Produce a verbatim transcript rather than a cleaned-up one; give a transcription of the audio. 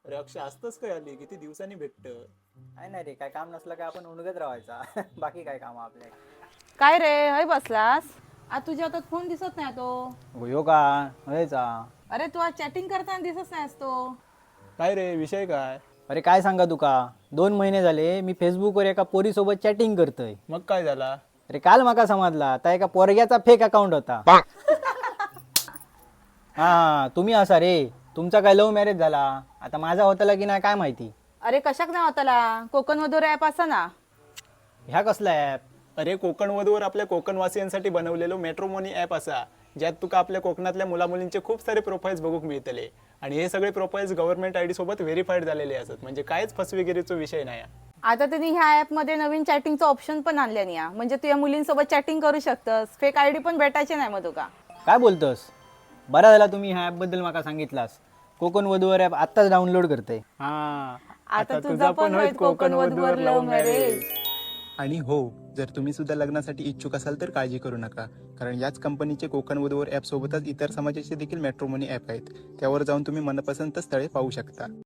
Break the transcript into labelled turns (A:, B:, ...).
A: अरे अक्षय असतंच काय आली किती दिवसांनी भेटत.
B: काय नाही रे, काय काम नसलं काय आपण उणगत राहायचा. बाकी काय काम आपल्या.
C: काय रे हय बसलास. आज तुझ्या हातात फोन दिसत नाही तो.
B: हो का व्हायचा.
C: अरे तू आज चॅटिंग करताना दिसत नाहीस तो.
A: काय रे विषय काय?
B: अरे काय सांगा तुका, दोन महिने झाले मी फेसबुकवर एका पोरीसोबत चॅटिंग करतोय.
A: मग काय झाला?
B: अरे काल माका समजला त्या एका पोरग्याचा फेक अकाउंट होता. हा तुम्ही असा रे, तुमचा काय लव्ह मॅरेज झाला, आता माझा होतला की नाही काय माहिती.
C: अरे कशाक नाही होताला, कोकण मधुर ॲप असा ना.
B: ह्या कसला ॲप?
A: अरे कोकण वधूवर आपल्या कोकणवासियांसाठी बनवलेलो मॅट्रोमोनी ॲप असा, ज्यात तुका आपल्या कोकणातल्या मुलामुलींचे खूप सारे प्रोफाईल्स बघूक मिळतले. आणि हे सगळे प्रोफाईल्स गव्हर्नमेंट आय डी सोबत व्हेरीफाईड झालेले असत, म्हणजे कायच फसवेगिरीचा विषय नाही.
C: आता त्यांनी ह्या ॲप मध्ये नवीन चॅटिंगचं ऑप्शन पण आणल्यानी या, म्हणजे तू या मुलींसोबत चॅटिंग करू शकतस. फेक आयडी पण भेटायचे नाही मग तुका.
B: काय बोलतोस? बरा झाला तुम्ही ह्या ॲपबद्दल माका सांगितलास. कोकण वधूवर ॲप आत्ताच डाउनलोड करते.
A: हा
C: आता तुझा पण होईल कोकण वधूवर लव्ह मॅरेज.
A: आणि हो, जर तुम्ही सुद्धा लग्नासाठी इच्छुक असाल तर काळजी करू नका, कारण याच कंपनीचे कोकण वधूवर ॲप सोबतच इतर समाजाचे देखील मॅट्रोमनी ॲप आहेत. त्यावर जाऊन तुम्ही मनपसंत स्थळे पाहू शकता.